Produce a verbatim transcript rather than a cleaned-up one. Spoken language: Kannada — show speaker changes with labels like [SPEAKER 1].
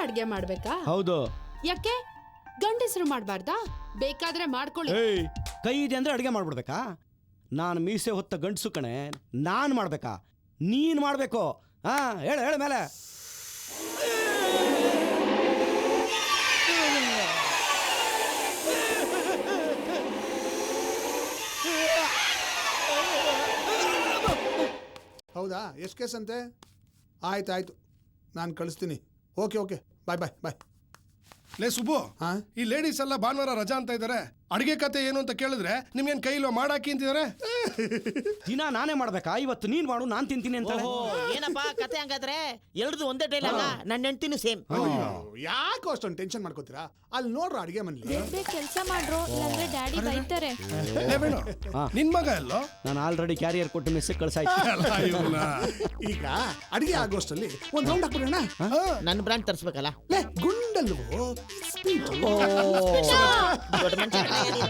[SPEAKER 1] ಅಡ್ಗೆ ಮಾಡ್ಬೇಕಾ?
[SPEAKER 2] ಹೌದು.
[SPEAKER 1] ಯಾಕೆ ಗಂಡಸರು ಮಾಡ್ಬಾರ್ದಾ? ಬೇಕಾದ್ರೆ ಮಾಡ್ಕೊಳ್ಳಿ.
[SPEAKER 2] ಕೈ ಇದೆ ಅಂದ್ರೆ ಅಡ್ಗೆ ಮಾಡ್ಬಿಡ್ಬೇಕಾ? ನಾನು ಮೀಸೆ ಹೊತ್ತ ಗಂಡಸು ಕಣೆ, ನಾನು ಮಾಡ್ಬೇಕಾ? ನೀನ್ ಮಾಡ್ಬೇಕು. ಹಾ ಹೇಳ ಹೇಳ ಮೇಲೆ.
[SPEAKER 3] ಹೌದಾ? ಎಷ್ಟು ಕೇಸ್ ಅಂತೆ? ಆಯ್ತು ಆಯ್ತು, ನಾನು ಕಳಿಸ್ತೀನಿ. Okay okay, bye bye bye.
[SPEAKER 4] ಲೇ ಸುಬ್ಬು,
[SPEAKER 3] ಹಾ,
[SPEAKER 4] ಈ ಲೇಡೀಸ್ ಎಲ್ಲ ಭಾನುವಾರ ರಜಾ ಅಂತ ಇದ್ದಾರೆ. ಅಡಿಗೆ ಕತೆ ಏನು ಅಂತ ಕೇಳಿದ್ರೆ ನಿಮ್ಗೇನ್ ಕೈಲೋ ಮಾಡಾಕಿ ಅಂತಿದ್ದಾರೆ.
[SPEAKER 2] ದಿನ ನಾನೇ ಮಾಡ್ಬೇಕಾ? ಇವತ್ತು ನೀನ್ ಮಾಡು, ನಾನ್ ತಿಂತೀನಿ ಅಂತ.
[SPEAKER 5] ಏನಪ್ಪಾ ಕತೆ ಹಂಗಾದ್ರೆ? ಎಲ್ರದು ಒಂದೇ ಡೈಲಾಗ? ನನ್ನ ಹೆಂಡತಿನೂ ಸೇಮ್.
[SPEAKER 3] ಯಾಕೋ ಅಷ್ಟೊಂದು ಟೆನ್ಷನ್ ಮಾಡ್ಕೋತೀರಾ? ಅಲ್ಲಿ ನೋಡ್ರ ಅಡಿಗೆ ಮನೇಲಿ
[SPEAKER 6] ಕೆಲಸ ಮಾಡ್ರೋ, ಇಲ್ಲಾಂದ್ರೆ ಡ್ಯಾಡಿ ಬೈತಾರೆ.
[SPEAKER 4] ನಿನ್ ಮಗ ಎಲ್ಲೋ?
[SPEAKER 2] ನಾನು ಆಲ್ರೆಡಿ ಕ್ಯಾರಿಯರ್ ಕೊಟ್ಟು ಮೆಸ್ಸೇಜ್ ಕಳ್ಸಾಯ್ತು.
[SPEAKER 3] ಈಗ ಅಡಿಗೆ ಆಗೋಷ್ಟಲ್ಲಿ ಒಂದ್ ರೌಂಡ್ ಹಾಕ್ಬಿಡೋಣ.
[SPEAKER 5] ನನ್ನ ಬ್ರ್ಯಾಂಡ್ ತರಿಸ್ಬೇಕಲ್ಲ.
[SPEAKER 3] ಲೇ ಗುಂಡಲ್ವೋ,
[SPEAKER 5] ದೊಡ್ಡ ಮನುಷ್ಯ